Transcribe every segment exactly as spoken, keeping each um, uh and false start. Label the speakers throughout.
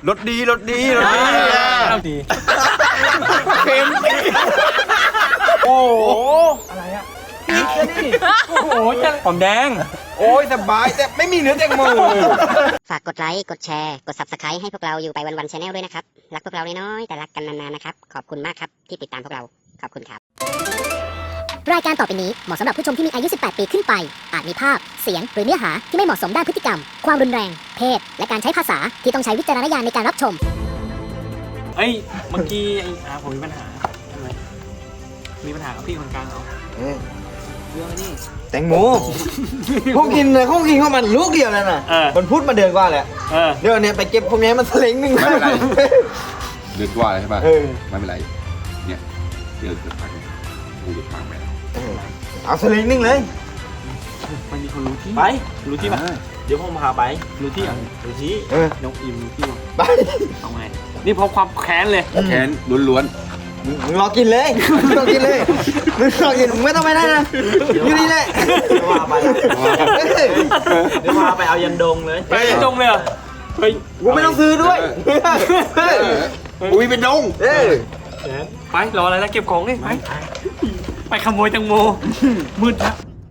Speaker 1: รสดีรสดีรสดี
Speaker 2: เอาดี
Speaker 1: เค็ม
Speaker 2: โอ้โหอะไรอ่ะนี่นี่โอ้โหจะหอมแดง
Speaker 1: โอ้ยสบายแต่ไม่มีเนื้อแตงโม
Speaker 3: ฝากกดไลค์ กดแชร์ กด ซับสไครบ์ ให้พวกเราอยู่ไปวันๆ Channel ด้วยนะครับ รักพวกเราน้อยๆ แต่รักกันนานๆ นะครับ ขอบคุณมากครับที่ติดตามพวกเรา ขอบคุณครับ
Speaker 4: รายการต่อไปนี้เหมาะสำหรับผู้ชมที่มีอายุ สิบแปด ปีขึ้นไป อาจมีภาพ เสียง หรือเนื้อหาที่ไม่เหมาะสมด้านพฤติกรรม ความรุนแรง เพศ และการใช้ภาษาที่ต้องใช้วิจารณญาณในการรับชม
Speaker 2: เอ้ยเมื่อกี้ไอ้อาผมมีปัญหาทำไมมีปัญหากับพี่คนกลางเขาเรื่องนี้
Speaker 1: แตงโมเขากินเลยเขากินเข้ามันลูกเดียวนั่นน่ะ
Speaker 2: เออ
Speaker 1: มันพูดมาเดือนกว่าแหละ
Speaker 2: เออ
Speaker 1: เดี๋ยวเนี่ยไปเก็บพวกนี้มันสลิงหนึ่ง
Speaker 5: ไม่เป็นไร เดือนกว่าเลยใช่ป่ะ
Speaker 1: เออ
Speaker 5: ไม่เป็นไร เนี่ยเดือนเกือบพังกูจะพังไปแล้ว
Speaker 1: เอาสลิงหนึ่งเลย
Speaker 2: มันมีคนรู้ที่
Speaker 1: ไป
Speaker 2: รู้ที่ปะ
Speaker 1: เดี๋ยวผมพาไป
Speaker 2: รู้ที่อ่ะ
Speaker 1: ดูสิเออ
Speaker 2: น้องอิมรู้ที่ปะ
Speaker 1: ไป
Speaker 2: เอาไงนี่เพราะความแค้นเลย
Speaker 5: แค้นล้วน
Speaker 1: มึงมึงรอกินเลยมึงรอกินเลยมึงรอกินมึงไม่ต้องไปได้นะอยู่นี่แหละว่าไปเดี๋ยวพาไปเอายันดงเลย
Speaker 2: ไปตรงเลยเหรอเฮ้ย
Speaker 1: กูไม่ต้องซื้อด้วย
Speaker 5: ๆอุ้ยเป็นดง
Speaker 1: เออ
Speaker 2: ไปรออะไรแล้วเก็บของนี่ไปไปขโมยแตงโมมืดละ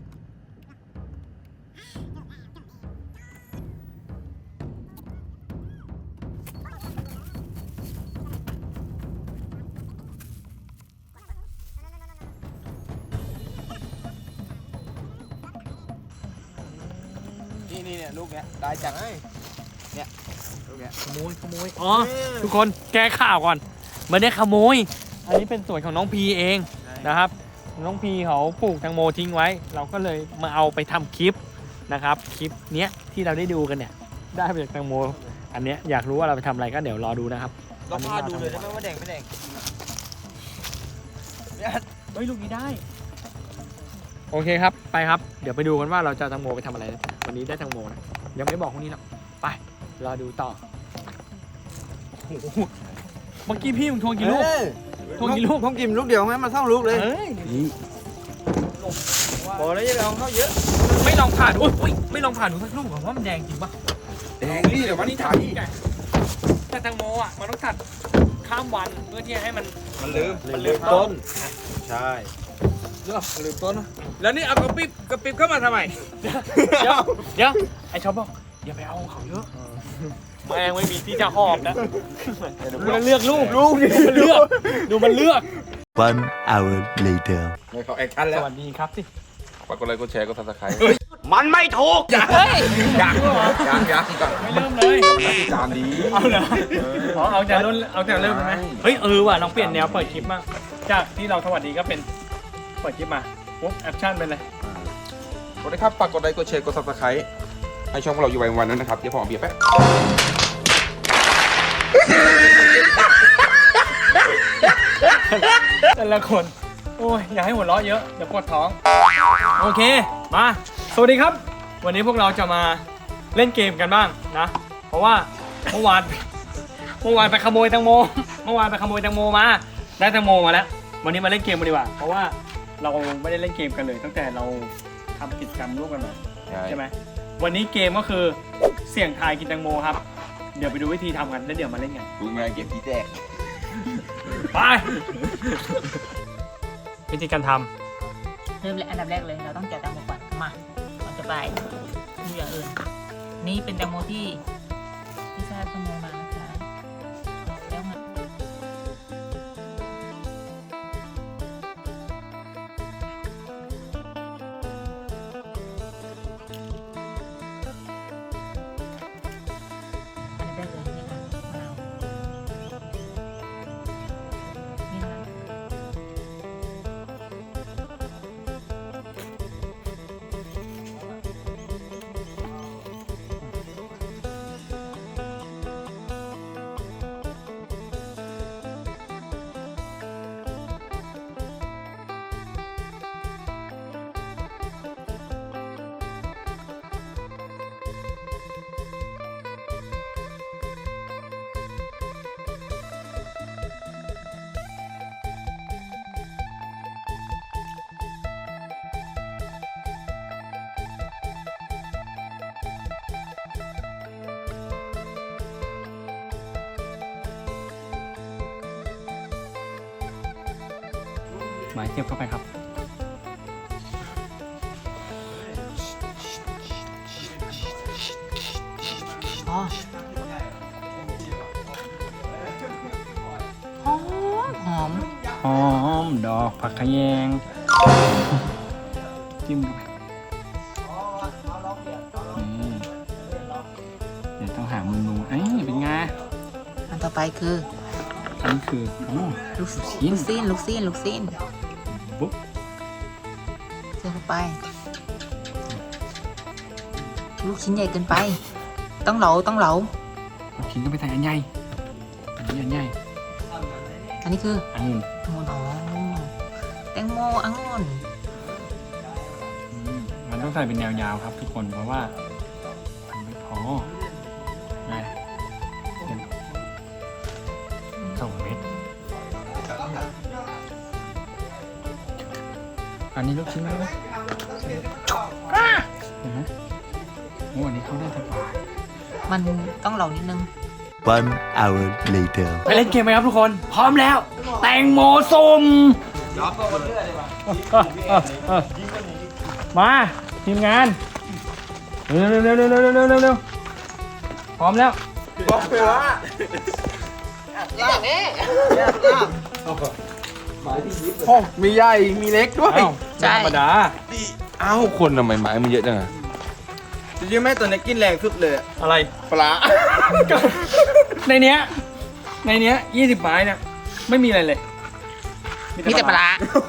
Speaker 1: นี่นี่เนี่ยลูกเนี้ยได้จังเนี่ยลูกเนี้ย
Speaker 2: ขโมยขโมยอ๋อทุกคนแก้ข่าวก่อนไม่ได้ขโมย อันนี้เป็นสวนของน้องพีเองนะครับ น้องพีเขาปลูกแตงโมทิ้งไว้ เราก็เลยมาเอาไปทำคลิปนะครับคลิปเนี้ยที่เราได้ดูกันเนี่ยได้มาจากแตงโมอันเนี้ยอยากรู้ว่าเราไปทำอะไรก็เดี๋ยวรอดูนะครับ
Speaker 1: เราพาดูเลยได้ไหมว่าแดงไม่แดง
Speaker 2: เฮ้ยลูกนี้ได้โอเคครับไปครับเดี๋ยวไปดูกันว่าเราจะเอาแตงโมไปทำอะไรนะวันนี้ได้แตงโมนะยังไม่บอกพวกนี้หรอกไปรอดูต่อโอ้โหเมื่อกี้พี่มึงทวงกี่ลูก ทวงกี่ลูก
Speaker 1: ผมกินลูกเดียวไหมมาเท่าลูกเลย
Speaker 2: เฮ้ย
Speaker 1: พอแล้วอย่าไปเอาเข้าเยอะ
Speaker 2: ไม่ลองผ่านอุ้ยอุ้ยไม่ลองผ่านดูสักลูกก่อนว่ามันแดงจริงปะ
Speaker 5: แดงนี่เดี๋ยววันนี้ถ่าย
Speaker 2: แต่แตงโมอ่ะมันต้องตัดข้ามวันเพื่อที่จะให้มัน
Speaker 1: มันลืม
Speaker 2: มันลืมต้น
Speaker 1: ใช่เรื่องลืมต้น
Speaker 2: แล้วนี่เอากระปิบกระปิบเข้ามาทำไมเดี๋ยวเดี๋ยวไอ้ชอบบอกอย่าไปเอาเขาเยอะแมงไม่มีที่จะหอบนะดูมันเลือกลูกลูกดูมันเลือกดูมันเลือก
Speaker 6: One hour later.
Speaker 1: เขาแอคชั่น
Speaker 2: ส
Speaker 1: แล้ว
Speaker 2: วัสดีครับสิ
Speaker 5: ฝากกดไลค์กดแชร์กดซับสไครต์
Speaker 1: มันไม่ถูกอย่า
Speaker 2: เฮ้ย
Speaker 1: อย่าอย่าอย่าก่อน
Speaker 2: ไม่เริ่มเลย
Speaker 5: ตามดี
Speaker 2: เอาเหรออ๋อเอาแต่เริ่มเอาแต่เริ่มไหมเฮ้ยเออว่ะลองเปลี่ยนแนวเปิดคลิปมากจากที่เราสวัสดีก็เป็นเปิดคลิปมาปุ๊บแอคชั่นเป็นเลย
Speaker 5: กดได้ครับฝากกดไลค์กดแชร์กดซับสไครต์ให้ช่องของเราอยู่ไปวันนั้นนะครับ เดี๋ยวผมเอาเบียร์แป๊บ
Speaker 2: แต่ละคนโอ้ยอย่าให้หัวเราะเยอะเดี๋ยวปวดท้องโอเคมาสวัสดีครับ วันนี้พวกเราจะมาเล่นเกมกันบ้างนะเพราะว่าเมื่อวานเมื่อวานไปขโมยแตงโมเมื่อวานไปขโมยแตงโมมาได้แตงโมมาแล้ววันนี้มาเล่นเกมกันดีกว่าเพราะว่าเราไม่ได้เล่นเกมกันเลยตั้งแต่เราทำกิจกรรมร่วมกันมาใช่ไหมวันนี้เกมก็คือเสี่ยงทายกินแตงโมครับเดี๋ยวไปดูวิธีทำกันแล้วเดี๋ยวมาเล่นกัน
Speaker 5: ดูงานเก็บที่แจก
Speaker 2: ไปวิธีการท
Speaker 7: เริ่มเลยอันดับแรกเลยเราต้องแกะแตงโมก่อนมาเราจะไปดูอย่างอื่น นี่เป็นแตงโมที่ที่ชาติขโมยมานะคะแล้วไงอันดับแรกเลยนี่ค่ะมะนาวนี่นะคะ
Speaker 2: ำหมายเทียบเข้าไปครับ
Speaker 7: อ๋อหอมหอม
Speaker 2: หอมดอกผักขะแยงจิ้มเข้าไปนี่เดี๋ยวต้องหาเมนูเอ้ยเป็นไง
Speaker 7: อันต่อไปคือ
Speaker 2: อันนี้คือโอ้
Speaker 7: ลูก
Speaker 2: ชิ้น
Speaker 7: ลูกซีนลูกซีนลูกซีน
Speaker 2: บุ๊บ
Speaker 7: เสิร์ฟเข้าไป ลูกชิ้นใหญ่เกินไป ต้องเหลาต้องเหลา
Speaker 2: เอาชิ้นก็ไปใส่อันใหญ่อันนี้อันใหญ่
Speaker 7: อันนี้คือ
Speaker 2: อันนี้
Speaker 7: องุ่นอ๋อแตงโมองุ่น
Speaker 2: อืมมันต้องใส่เป็นแนวยาวครับทุกคนเพราะว่ามันไม่พอได้เป็นสองเม็ดอันนี้ลูกชิ้นไหมนะเห็นไหมโอ้อันนี้เขาได้สบาย
Speaker 7: มันต้องเหลานิดนึง
Speaker 6: One hour later.
Speaker 2: ไปเล่นเกมไหมครับทุกคน พร้อมแล้ว แตงโมส้มมาทีมงานเร็วเร็วเร็วเร็วเร็วเร็วเร็วเร็วพร้อมแล้ว
Speaker 1: บอกเลยว่าอย่างนี้
Speaker 5: โอ้มีใหญ่มีเล็กด้วย
Speaker 2: อ้าว
Speaker 7: ใช่
Speaker 2: ธรรมดา
Speaker 5: เอ้าคนทำไมไม้มันเยอะจังอะ
Speaker 1: จริงๆแม่ตัวนี้กินแรงสุดเลย
Speaker 2: อะไร
Speaker 1: ปลา
Speaker 2: ในเนี้ยในเนี้ยยี่สิบไม้เนี่ยไม่มีอะไรเลย
Speaker 7: มีแต่ปลาร้า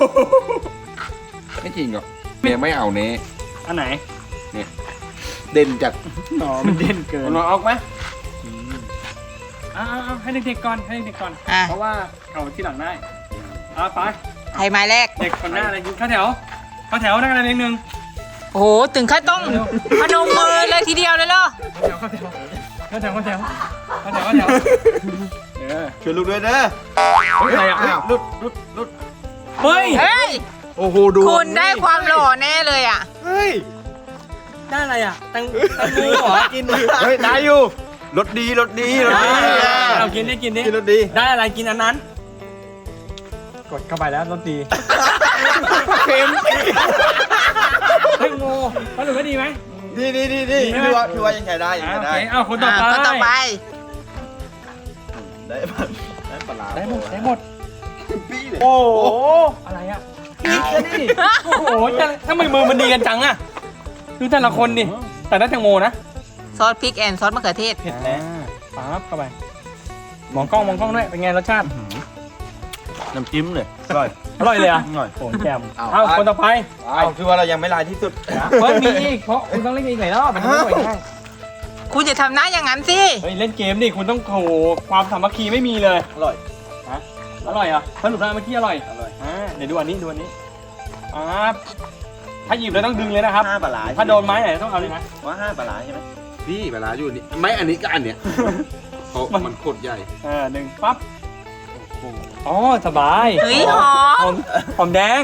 Speaker 5: ไม่จริงหรอกเมียไม่เอาเน่
Speaker 2: อันไหน
Speaker 5: เด่นจัด
Speaker 2: อ๋อมันเด่นเกิน
Speaker 5: มันออกไหม
Speaker 2: อ้าวให้เด็กๆก่อนให้เด็กๆก่อน
Speaker 7: อ่ะ
Speaker 2: เพราะว่าเขาที่หลังได้อ่ะไป
Speaker 7: ไทยไม้แรก
Speaker 2: เด็กคนหน้าอะไรกินข้าวแถวข้าวแถวนั่งอะไรนิดนึง
Speaker 7: โอ้โห ถึงขั้นต้องพนมมือเลยทีเดียวเลยเหรอ
Speaker 2: ข้าวแถวข้าวแถวข้าวแถวข้าวแถวข้าวแถวข้าวแถวเออ
Speaker 1: ช่วยลูกด้วยเด้อ
Speaker 2: เฮ้ยอะไรอ่ะ
Speaker 1: อ้าวลุดลุดลุด
Speaker 2: เฮ้ย
Speaker 7: เฮ้ย
Speaker 1: โอ้โหดู
Speaker 7: คุณได้ความหล่อแน่เลยอ่ะ
Speaker 1: เฮ้ย
Speaker 2: ได้อะไรอ่ะแตังแตังโมเหรอ
Speaker 1: กินเฮ้ยได้อยู่รสดีรสดีรสดี
Speaker 2: เอากินได้กินดิ
Speaker 1: กินรสดี
Speaker 2: ได้อะไรกินอันนั้น กดเข้าไปแล้วรสดี
Speaker 1: เค็ม
Speaker 2: แตังโมสรุปว่าดีไหม
Speaker 1: ดีดีดีดีถือว่าถือว่ายังใช้ได้ยัง
Speaker 2: อ่า
Speaker 1: ใช้
Speaker 2: โอ
Speaker 1: ได้
Speaker 2: เคเอาคนต่อไป
Speaker 7: อ่ะคนต่อไป
Speaker 1: ได้ปลาได้ปลาร้า
Speaker 2: ได้หมดได้หมด
Speaker 1: ปี้เลย
Speaker 2: โอ้โหอะไรอ่ะนี่แค่นี้โอ้โหจะทำไมมือมันดีกันจังอ่ะดูแต่ละคนดิแต่ได้แตงโมนะ
Speaker 7: ซอสพริกแอนซอสมะเขือเทศ
Speaker 2: เผ็ดแล้วปั๊บเข้าไปมองกล้องมองกล้องด้วยเป็นไงรสชาติ
Speaker 1: น้ำจิ้มเลยอร่อย
Speaker 2: อร่อยเลยอ่ะ
Speaker 1: อร่อย
Speaker 2: โอ้แจ่ม
Speaker 1: เอา
Speaker 2: เอาคนต่อไป
Speaker 1: เอาคือว่าเรายังไม่ลายที่สุด
Speaker 2: เฮ้ยมีอีกเพราะคุณต้องเล่นอีกหลายรอบมันจะไม่ไหวง่าย
Speaker 7: คุณจะทำหน้าอย่างนั้นสิ
Speaker 2: เฮ้ยเล่นเกมดิคุณต้องโหความสามัคคีไม่มีเลย
Speaker 1: อร่อย
Speaker 2: ฮะอร่อยเหรอ่ะสรุปแล้วเมื่อกี้อร่อย
Speaker 1: อร่อย
Speaker 2: อ่าเดี๋ยวดูอันนี้ดูอันนี้อ่าถ้าหยิบแล้วต้องดึงเลยนะครับ
Speaker 1: ห้าปลาร้า
Speaker 2: ถ้าโดนไม้ไหนต้องเอาเลยนะ
Speaker 1: ว่าห้าปลาร้าใช่ไหม
Speaker 5: พี่เวลาอยู่นี่ไม่อันนี้ก็อันเนี้ยเพราะมันโคตรใหญ่
Speaker 2: เออหนึ่งปั๊บอ๋อสบาย
Speaker 7: เฮ้ยหอ
Speaker 2: หอ
Speaker 7: ม
Speaker 2: มหอมแดง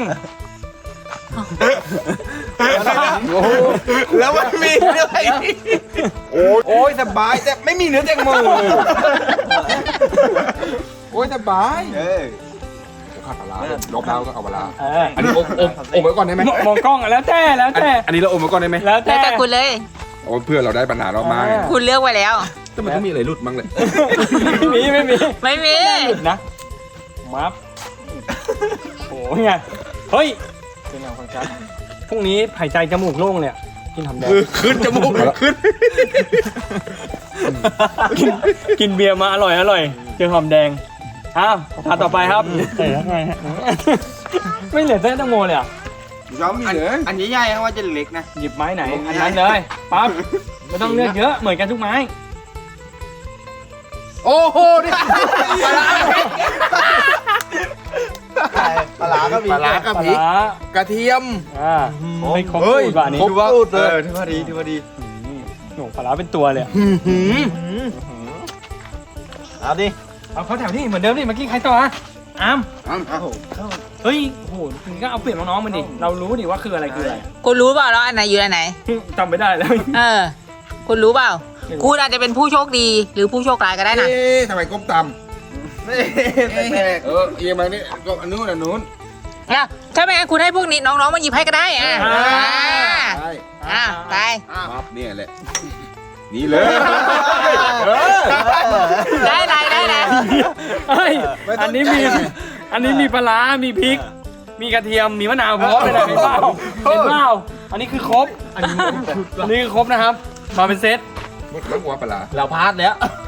Speaker 5: โอ้โหแล้วมันมีด้วยโอ้ยโอ้ยสบายแต่ไม่มีเนื้อแตงโมโอ้ยสบาย
Speaker 1: เออ
Speaker 5: ข้าวปลาร้าลบแล้วก็เอาปลาร้า
Speaker 2: เออ
Speaker 5: อันนี้อมอมอมไว้ก่อนได้ไหม
Speaker 2: มมองกล้องอ่ะแล้วแต่แล้ว
Speaker 5: อัน
Speaker 2: แต่
Speaker 5: อันนี้เราอมไว้ก่อนได้ไหม
Speaker 2: แล้ว
Speaker 7: แล้
Speaker 2: แต่
Speaker 7: วแต่คุณเลย
Speaker 5: โอ้ยเพื่อเราได้ปัญหาเรามาไง
Speaker 2: อ่า
Speaker 7: คุณเลือกไว้แล้ว
Speaker 5: แต่มันต้องมีอะไรหลุดมั้งเลย
Speaker 2: ไม่มีไม่มี
Speaker 7: ไม่มี
Speaker 2: นะมับโอ้ยไงเฮ้ยเป็นเงาของฉันพรุ่งนี้หายใจจมูกโล่งเลยอะกินหอมแดง
Speaker 5: ขึ้นจมูกขึ้น
Speaker 2: กินกินเบียร์มาอร่อยอร่อยเจอหอมแดงอ้าวทานต่อไปครับใส่ยังไงฮะไม่เหลือเส้นแตงโมเลยอ่ะ
Speaker 5: ย้อมมีเหรอ
Speaker 1: อันใหญ่ๆว่าจะเล็กนะ
Speaker 2: หยิบไม้ไหนอันนั้นเลยปั๊บไม่ต้องเลือกเยอะเหมือนกันทุกไม้
Speaker 5: โอ้โหนี่ปลาร้า
Speaker 1: ปลาร้าก็มี
Speaker 5: ปลาร้ากับพริก
Speaker 2: ปลาร้าก
Speaker 5: ระเทียม
Speaker 2: อ่าไม่ครบ
Speaker 5: เฮ้ย
Speaker 2: สูตรว่ะอันนี้
Speaker 5: ครบ
Speaker 1: ถือว่าเออถือว่าดีถือว่าดี
Speaker 2: อืมโหปลาร้าเป็นตัวเลยอะ
Speaker 1: เอาดิ
Speaker 2: เอาเขาแถวนี่เหมือนเดิมดิเมื่อกี้ใครต่ออะอาม
Speaker 5: อ้าว
Speaker 1: เอา
Speaker 2: เฮ้ยโหคุณก็เอาเปรียบน้องๆมันดิเรารู้ดิว่าคืออะไรคืออะไร
Speaker 7: คุณรู้เปล่าแล้วอันไหนอยู่อันไหน
Speaker 2: จำไม่ได้แล้ว
Speaker 7: เออ คุณรู้เปล่า
Speaker 2: ไม่รู้
Speaker 7: คุณอาจจะเป็นผู้โชคดีหรือผู้โชคร้ายก็ได้นะ
Speaker 5: เอ๊ะทำไมก้มต่
Speaker 1: แปลก
Speaker 5: ำเออเอียงมานี่ก็อันนู้นอันนู้น
Speaker 7: อ่ะถ้าไม่งั้นคุณให้พวกนี้น้องๆมาหยิบให้ก็ได้อ่ะ
Speaker 2: อ่า
Speaker 5: ใช่
Speaker 7: อ่ะไป
Speaker 5: ปั๊บเนี่ยแหละนี่เลย
Speaker 7: ได้ไรได้ไร
Speaker 2: เฮ้ยอันนี้มีอันนี้มีปลาร้ามีพริก มีกระเทียมมีมะนาวพร้อมเลยนะเห็นเปล่าเห็นเปล่าอันนี้คือครบอันนี้อันนี้คือครบนะครับมาเป็นเซต
Speaker 5: หมดแล้วหัวปลา
Speaker 1: เราพลาดแล้ว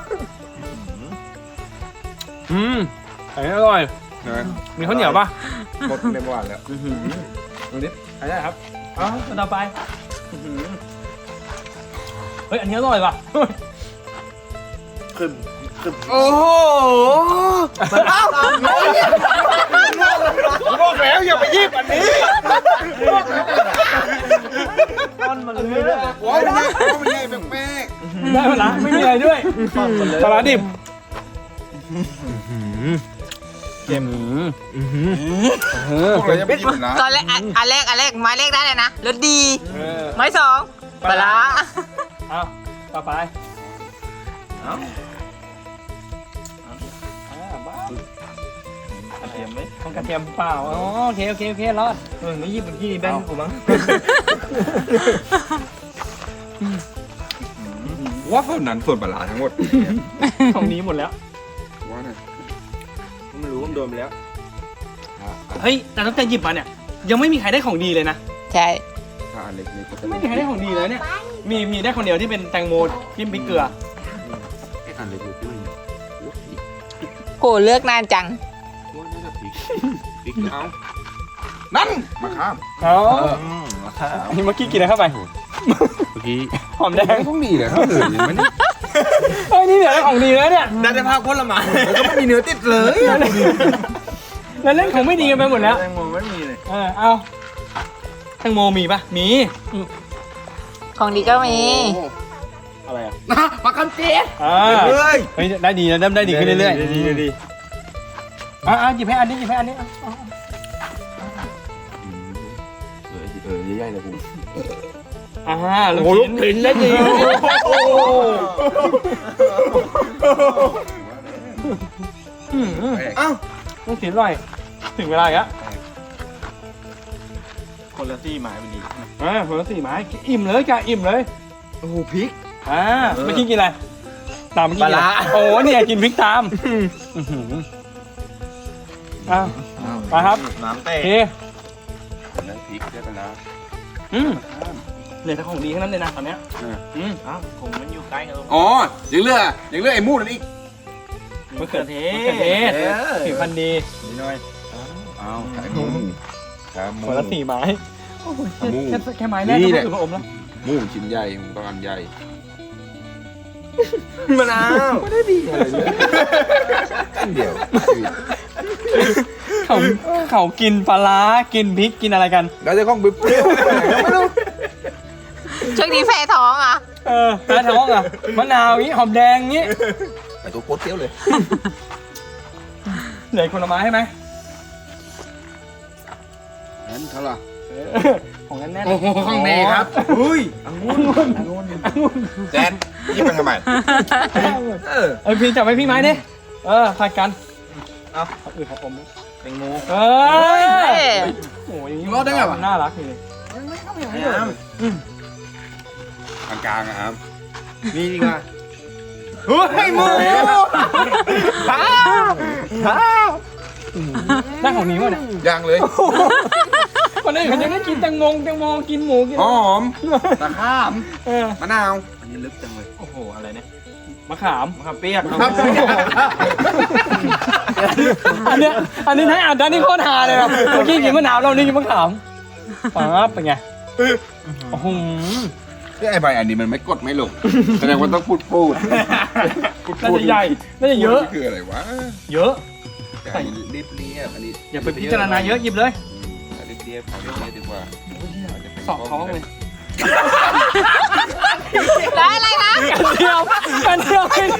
Speaker 2: อืมอันนี้อร่อย
Speaker 5: นะ
Speaker 2: มีข้าวเหนียวป่ะ
Speaker 5: หมดในเมื่อวานแล้ว
Speaker 2: อันนี้อันนี้ครับอ๋อต่อไปอื้อหือเฮ้ยอันนี้อร่อยว่ะ
Speaker 5: โอ้โหบอกแล้วอย่าไปยิบอันนี้
Speaker 2: มันมันเลย
Speaker 5: โอ้ยไม่ใช่ไม่ใช่แป้ง
Speaker 2: ได้ปะล่ะไม่มีอะไรด้วยปลาร้าดิบเค็ม
Speaker 5: พวกเราจะไม่ยิบนะ
Speaker 7: ตอนแรกอันอันแรกอันแรกไม้แรกได้เลยนะรสดี
Speaker 2: เออ
Speaker 7: ไม้สองปลาร้า
Speaker 2: เอาต่อไปเอาบ้าก
Speaker 1: ระเทียมไหม
Speaker 2: ต้องกระเทียมเปล่าอ๋อโอเคโอเคโอเครอดเออไม่ยิบเมื่อกี้แบงค์กูมั้ง
Speaker 5: ว่าส่วนนั้นส่วนปลาทั้งหมด
Speaker 2: ของนี้หมดแล้ว
Speaker 5: ว่าไง
Speaker 1: ไม่รู้ว่ามันโดนไปแล้ว
Speaker 2: เฮ้ยแต่ตั้งแต่หยิบมาเนี่ยยังไม่มีใครได้ของดีเลยนะ
Speaker 7: ใช่
Speaker 5: ถ้าอันเล็กนี่ก็จะ
Speaker 2: ไม่มีใครได้ของดีเลยเนี่ยมีมีได้คนเดียวที่เป็นแตงโมจิ้มพริกเกลือ
Speaker 5: อันเล็กอยู่ที่นี่
Speaker 7: โหเลือกนานจัง
Speaker 5: ว่าน่าจะพริกพริกเอานั่นมาข้าม
Speaker 2: อ๋อ
Speaker 1: ครับ
Speaker 2: อันนี้เมื่อกี้กินอะไรเข้าไป
Speaker 5: เมื่อกี้
Speaker 2: หอมแดง
Speaker 5: ต้องดีเลยครับเลยมันนี่
Speaker 2: เฮ้ยนี่เหลือได้ของดีแล้วเนี่ย
Speaker 1: ได้ได้ภาคผลไม้
Speaker 5: แล้วก็ไม่มีเนื้อติดเลย
Speaker 2: แล้วเล่นของไม่ดีกันไปหมดแล้ว
Speaker 1: แตงโมไม่มีเลย
Speaker 2: เออเอาแตงโมมีปะมี
Speaker 7: ของดีก็มี
Speaker 2: อะไรอ่ะ
Speaker 5: ปลาคันเจ๊
Speaker 2: อ่า
Speaker 5: เฮ้ย
Speaker 2: เฮ้ยได้ดีนะได้ดีขึ้นเรื่อย
Speaker 1: ดีดีดี
Speaker 2: ๆอ่ะอ่ะหยิบให้อันนี้หยิบให้อันนี้อ่ะอ่ะ
Speaker 5: เออเออใหญ่ๆเลยกู
Speaker 2: อ่าลูกชิ้นลิ้นได้ดีโอ้โหอืม
Speaker 5: เอ้า
Speaker 2: ลูกชิ้นอร่อยถึงเวลาอีกแล้ว
Speaker 1: คนละที่หมายมันดี
Speaker 2: อ่าคนละสี่ไม้อิ่มเลยจ้ะอิ่มเลย
Speaker 1: โอ้โหพริก
Speaker 2: อ่าเมื่อกี้กินอะไรตามเมื่อกี้
Speaker 1: ปลาร้า
Speaker 2: โอ้เนี่ยกินพริกตามอื้อหืออ่ะไปครับ
Speaker 1: น้ำ
Speaker 2: โอ
Speaker 1: เต้
Speaker 2: เค
Speaker 5: แล้วพริกได้ไปแล้ว
Speaker 2: อืมเหลือแต่ของดีทั้งนั้นเลยนะตอนเนี้ยอืม
Speaker 1: อ้าวผมมันอยู่ใกล้กัน
Speaker 5: อ๋อยังเลือกยังเลือกไอ้มูดนั่นอีก
Speaker 2: มะเขือเทศ
Speaker 1: มะ
Speaker 2: มะเขือเทศ
Speaker 1: เออ
Speaker 2: ผิวพรรณดี
Speaker 1: นิดหน่อย
Speaker 5: อ้าวไอ้มูขามู
Speaker 2: คนละสี่ไม้โอ้โหแค่
Speaker 5: หมู
Speaker 2: แค่แค่ไม้แรก
Speaker 5: นี่
Speaker 2: ก็
Speaker 5: แหละ
Speaker 2: ถือว่าอมแล้ว
Speaker 5: มูชิ้นใหญ่มูต้องอันใหญ่
Speaker 1: มะนาว
Speaker 5: ไม่ได้ดีอะไรเลยอันเดียว
Speaker 2: เขาเขากินปลาร้ากินพริกกินอะไรกัน
Speaker 5: แล้วจะข้องบิ๊บเปรี้ยวไม่รู้
Speaker 7: ช่วงนี้แพ้ท้องอ่ะ
Speaker 2: เออปลาท้องอ่ะมะนาวอย่างงี้หอมแดงอย่างงี้
Speaker 5: ไอ้ตัวโคตรเปรี้ยวเลย
Speaker 2: เหลือคนละไม้ให้ไหม
Speaker 5: นั่นเท่าไหร่
Speaker 2: เออของแน่นๆ
Speaker 5: โอ้โหข้างในครับอุ้ยองุ่นองุ่นแจนยิบไปทำไมเออ
Speaker 2: เอ้ยพี่จับไว้พี่ไม้ดิเออผัดกันเอาเอาอื่นของผมดิ
Speaker 1: แตงโม
Speaker 2: เอ
Speaker 7: เอ้
Speaker 2: อย โอ้ยอย่างนี้
Speaker 5: รอดได้ไงวะ
Speaker 2: น่ารักเลย
Speaker 5: กลางๆอะครับ
Speaker 1: มีดีกว่าเฮ้ยหมู
Speaker 2: ได้ของนี้วะเนี่ย
Speaker 5: ย่างเลย
Speaker 2: คนอื่นเขาจะได้กินแตงโมแตงโมกินหมูกิน
Speaker 5: หอมตะข้าม
Speaker 2: เออ
Speaker 5: มะนาว
Speaker 1: อันนี้ลึกจังเลยโอ้โหอะไรเนี่ย
Speaker 2: มะขาม
Speaker 1: มะขามเปียก
Speaker 5: ครับ
Speaker 2: อันเนี้ยอันนี้ให้อ่านด้านนี้โคตรฮาเลยครับเมื่อกี้กินมะนาวเรานี่กินมะขามปั๊บเป็นไงโอ้โห
Speaker 5: ไอ้ใบอันนี้มันไม่กดไม่ลงแสดงว่าต้องพูดพูด
Speaker 2: น่าจะใหญ่น่าจะเยอะ
Speaker 5: นี่คืออะไรวะ
Speaker 2: เยอะ
Speaker 5: อันนี้รีบเรียบอันนี้
Speaker 2: อย่าไปพิจารณาเยอะหยิบเลย
Speaker 5: รีบเรียบขอเรียบเรียบดีกว่า
Speaker 2: สอบท้องเลย
Speaker 7: ได้อะไรนะ
Speaker 2: กันเดียวกันเดียวไม่ได้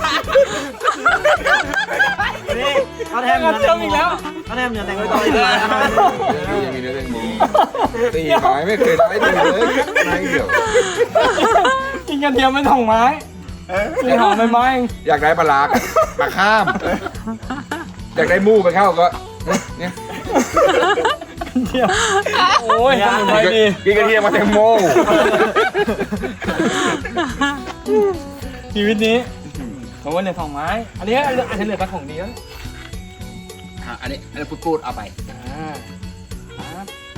Speaker 1: นี่เขาแทม
Speaker 2: กันเดียวอีกแล้ว
Speaker 1: เขาแทมอย่างแตงโมต่ออีกแล้ว
Speaker 5: ยังมีเนื้อแตงโมตีไม้ไม่เคยได้ดีเลยนายเดียว
Speaker 2: กินกันเดียวไม่สองไม้กินหอมไปไม้เอง
Speaker 5: อยากได้ปลาลากปลาข้าม อยากได้หมูไปเข้าก็เนี่ย
Speaker 2: เทียมโอ้ยสมุนไพรดี
Speaker 5: กินกระเทียมมาแตงโม
Speaker 2: ชีวิตนี้ผมว่าเหลือสองไม้ อันนี้อันนี้เหลือสักของดีแล้ว
Speaker 5: อันนี้อันนี้พูดๆเอาไป
Speaker 2: อ่าครับ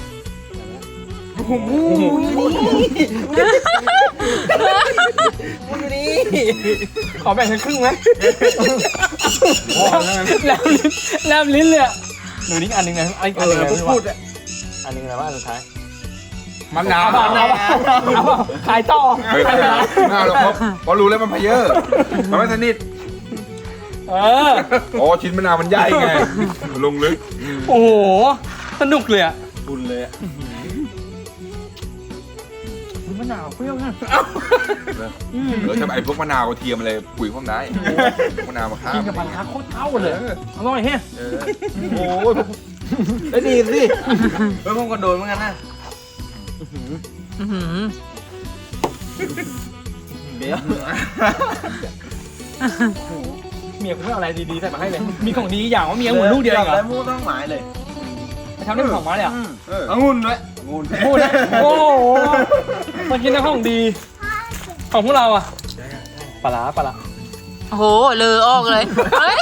Speaker 1: มึงนี่
Speaker 2: ขอแบ่งกันครึ่งไหมแลบลิ้นแลบลิ้นเลยอะหนูนี่อันหนึ่งนะไอ้อันหนึ่งนะพี่ว่าอันหนึ่งนะว่าอันสุดท้าย
Speaker 5: มะนาว
Speaker 2: เอาเปล่าเอาเปล่าขายต่อ
Speaker 5: ไม่ไม่ไม่ไม่หรอกเพราะเพราะรู้แล้วมันพะเยอะมันไม่สนิท
Speaker 2: เออ
Speaker 5: อ๋อชิ้นมะนาวมันใหญ่ไงลงลึก
Speaker 2: โอ้โหสนุกเลยอะ
Speaker 1: บุญเลยอะ
Speaker 2: มะนาวเปรี้ยวนะ
Speaker 5: เออถ้าไอ้พวกมะนาวกระเทียมอะไรปุ๋ยพวกได้มะนาวมาข้าม
Speaker 2: กินกับผัดคักโคตรเข้าเลยอร่อยแฮะ
Speaker 5: เออโอ้ย
Speaker 1: ได้ดีสิเฮ้ยผมก็โดนเหมือนกันนะ
Speaker 7: อื้อหือ
Speaker 1: เดี๋ยว
Speaker 2: เมียกูไม่เอาอะไรดีๆใส่มาให้เลย มีของดีอย่างว่าเมียหมุนลูกเดียวเองเหรอ
Speaker 1: แล้วมูต้องหมายเลย
Speaker 2: ไปทำได้เป็นของมาเลยอ่ะ
Speaker 5: เออ
Speaker 1: องุ่นด้วยองุ่น
Speaker 2: พูดนะโอ้โหมากินแต่ของดี ของพวกเราอ่ะปลาร้าปลาร้า
Speaker 7: โอ้โหเลอออกเลยเฮ้ย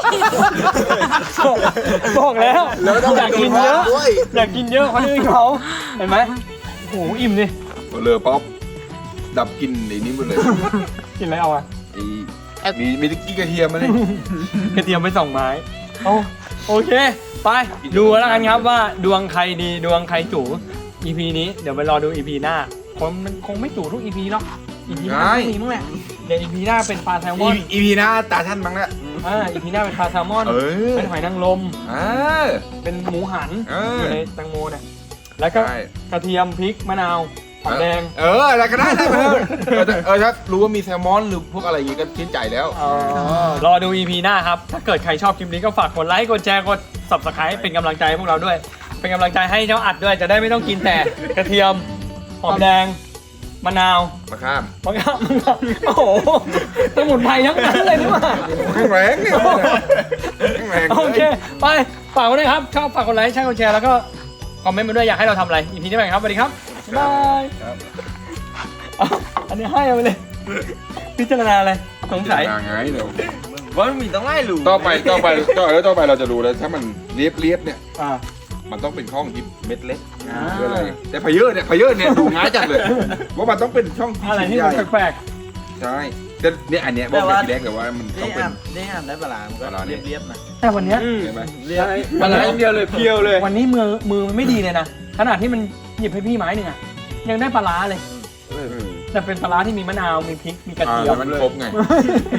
Speaker 2: บอกแล้ว
Speaker 1: แล้วต้อง
Speaker 2: อยากกินเยอะ
Speaker 1: ด้วย
Speaker 2: อยากกินเยอะคนอื่นเขาเห็นไหมโอ้โหอิ่มดิ
Speaker 5: เลอป๊อปดับกลินไอ้นี้หมดเลย
Speaker 2: กินอะไรเอาอ่ะ
Speaker 5: ไอ้มีมีตะกี้กระเทียมมาเลย
Speaker 2: กระเทียมไปสองไม้โอ้โอเค ไปดูแล้วกันครับว่าดวงใครดีดวงใครจู่ อี พี นี้เดี๋ยวไปรอดู อี พี หน้าคงมันคงไม่จู่ทุก อี พี หรอก อี พี หน้าต้องมีมั้งแหละเดี๋ยว อี พี หน้าเป็นปลาแซลมอน
Speaker 5: อีพีหน้าตาท่านมั้งละ
Speaker 2: อ่า อี พี หน้าเป็นปลาแซลมอน
Speaker 5: เออ
Speaker 2: เป็นหอยนางรม
Speaker 5: อ่า
Speaker 2: เป็นหมูหัน
Speaker 5: เออ
Speaker 2: อ
Speaker 5: อ
Speaker 2: ยู่ในแตงโมเนี่ยแล้วก็
Speaker 5: ใช่
Speaker 2: กระเทียมพริกมะนาวหอมแดง
Speaker 5: เอออะไรก็ได้ได้ไปเถอะเออแต่เออถ้ารู้ว่ามีแซลมอนหรือพวกอะไรอย่างงี้ก็ชื่นใจแล้ว
Speaker 2: รอดู อี พี หน้าครับ ถ้าเกิดใครชอบคลิปนี้ก็ฝากกดไลค์ กดแชร์ กด ซับสไครบ์ เป็นกำลังใจให้พวกเราด้วย เป็นกำลังใจให้เจ้าอัดด้วย จะได้ไม่ต้องกินแต่กระเทียม หอมแดง มะนาว
Speaker 5: มาข้าม
Speaker 2: มะขามโอ้โห สมุนไพรทั้งนั้นเลยนี่หว่า
Speaker 5: แข็งแรงเนี่ยแข็งแรง
Speaker 2: โอเค ไป ฝากไว้ด้วยครับ ชอบฝากกดไลค์ ใช่กดแชร์ แล้วก็คอมเมนต์มาด้วย อยากให้เราทำอะไร อี พี นี้ไปครับ สวัสดีครับ บ๊ายบาย
Speaker 5: ครับ
Speaker 2: เอาอันนี้ให้เอาไปเลย พิจารณาอะไร สงสัย
Speaker 5: ไงเดี๋ยว
Speaker 1: ว่ามันมีต้องไล่หลู
Speaker 5: ต่อไปต่อไปต่อแล้วต่อไปเราจะรู้แล้วถ้ามันเรียบเรียบๆเนี่ย
Speaker 2: อ่า
Speaker 5: มันต้องเป็นช่องที่เม็ดเล็ก
Speaker 2: อ่า
Speaker 5: หรืออะไรแต่พะเยอะเนี่ยพะเยอะเนี่ยดูง่ายจังเลยว่ามันต้องเป็นช่องที่
Speaker 2: อะไรที่
Speaker 5: ให
Speaker 2: มั
Speaker 5: ญ่
Speaker 2: นแปลก
Speaker 5: ใช่แต่เนี่ยอันเนี้ยบอกเป็นทีแรกเลยว่ามันต้อ
Speaker 1: นี่
Speaker 5: งเป็น
Speaker 1: อ่านนี่อ่านได้ปลาร้ามันก็
Speaker 5: ปลาร้าเนี่ย
Speaker 1: เรียบๆนะ
Speaker 2: ๆแต่วันเนี้ย
Speaker 5: เห็นไหม
Speaker 1: เรียบ
Speaker 2: ปลาร้า
Speaker 1: เดียวเลยเพียวเลย
Speaker 2: วันนี้มือมือมันไม่ดีเลยนะ ขนาดที่มันหยิบให้พี่ไม้หนึ่งอะยังได้ปลาร้าเลย
Speaker 5: เออ
Speaker 2: แต่เป็นปลาร้าที่มีมะนาว มีพริก มีกระ
Speaker 5: อ่า
Speaker 2: เทีย
Speaker 5: แล้ว
Speaker 2: ม
Speaker 5: มันครบไง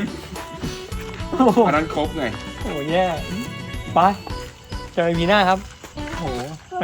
Speaker 2: โอ้โห
Speaker 5: อันนั้นครบไง
Speaker 2: โอ้โหแย่ไปเจอกันวีหน้าครับ